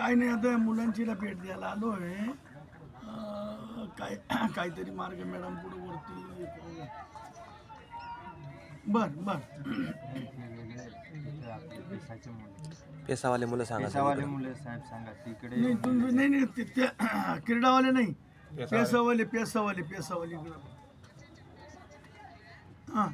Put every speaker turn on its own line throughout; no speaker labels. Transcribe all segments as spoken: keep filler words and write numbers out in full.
काय नाही, आता या मुलांची भेट द्यायला आलो आहे. काय काहीतरी मार्ग मॅडम पुढे वरती. बर बर
पेसावाले मुलं सांगा
पेसावाले मुले साहेब सांगा तिकडे
नाही तुम्ही नाही नाही ते ते क्रीडावाले नाही, पेसावाले पेसावाले पेसावाले इकडं. हां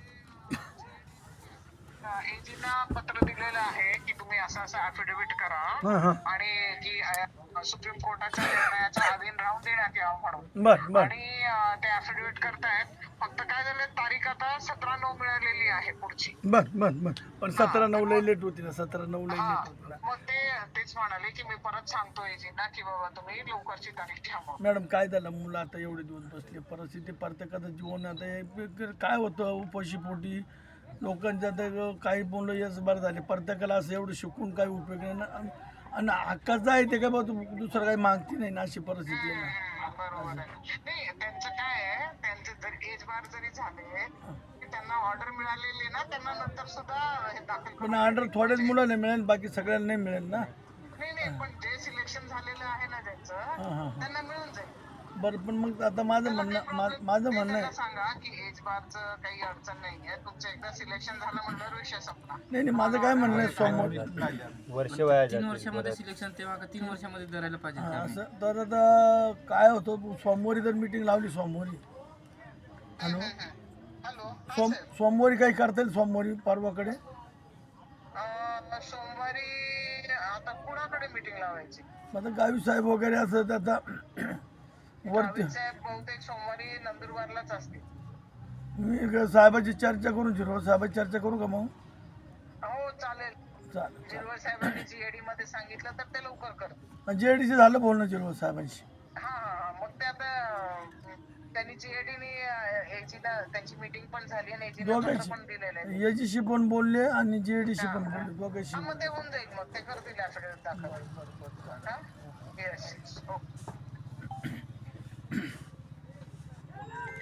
एजीना पत्र दिलेलं आहे की तुम्ही असं असं ऍफिडेव्हिट करा
हां हां
आणि की अ, सुप्रीम कोर्टाच्या निर्णयाच्या अधीन राहून देण्यात यावं म्हणून.
बर बर
आणि अ, ते ऍफिडेव्हिट करतायत. फक्त काय झालं, तारीख आता सतरा नऊ मिळालेली आहे पुढची.
बर बर बर पण सतरा नऊला लेट होती ना, सतरा नऊला
हा
लेट होती ना.
मग ते तेच म्हणाले की मी परत सांगतो एजीना की बाबा तुम्ही लवकरची तारीख घ्या म्हणून.
मॅडम काय झालं, मुलं आता एवढे दिवस बसले, परिस्थिती प्रत्येकाचं जीवन आता हे काय होतं, उपाशी पोटी लोकांच्या आता काही मुलं यश बरं झाले, प्रत्येकाला असं एवढं शिकून काही उपयोग नाही ना. आणि- आणि हक्काचं आहे ते काय बा तू दुसरं काही मागती नाही ना, अशी परिस्थिती आहे ना.
हम्म, बरोबर आहे. नाही त्यांचं काय आहे, त्यांचे जर एज बार जरी झाले की त्यांना ऑर्डर मिळालेली ना, त्यांना नंतर सुद्धा हे दाखल
पण
करून
ऑर्डर थोड्याच मुलांना मिळेल, बाकी सगळ्यांना नाही मिळेल ना.
नाही नाही पण जे सिलेक्शन झालेलं आहे ना ज्यांचं,
हां हां
त्यांना मिळून जाईल.
बरं पण मग आता माझं
त्याला
म्हणणं
काही
मा-
problem
माझं
नाही.
म्हणणं
त्यांना
आहे,
सांगा की एज बारचं काही अडचण नाहीये, तुमचं एकदा सिलेक्शन झालं म्हणल्यावर विषय संपला.
नाही नाही माझं काय म्हणणं आहे, सोमवार
वर्ष वया
तीन वर्षामध्ये सिलेक्शन तेव्हा का तीन वर्षामध्ये धरायला पाहिजे
हां,
का?
असं तर आता काय होतं, सोमवारी जर मीटिंग लावली सोमवारी, हॅलो
हॅलो हा
सोम
साहेब.
सोमवारी काही करता येईल, सोमवारी परवाकडे.
अं, सोमवारी आता कुणाकडे मीटिंग लावायची?
आता गावी साहेब वगैरे असं तर आता वरती
गावित साहेब बहुतेक सोमवारी नंदुरबारलाच असतील.
मी एक साहेबाची चर्चा करून शिरो साहेबाची चर्चा करू का मग?
हो चालेल.
चालेल
जिरवळ साहेबांनी जीएडी मध्ये सांगितलं तर ते लवकर करतील.
जे डी सी झालं बोलणं जिरो साहेबांशी.
हा हा हा मग ते आता अं, त्यांनी जीएडीने एजीला त्यांची मीटिंग पण झाली आणि एजीला
दोघांशी
पण दिलेलं आहे.
याच्याशी पण बोलले आणि जे डी सी पण बोलले, दोघांशी.
हा मग ते होऊन जाईल, मग ते करतील ऍफिडेव्हिट दाखल. हा येस येस ओके.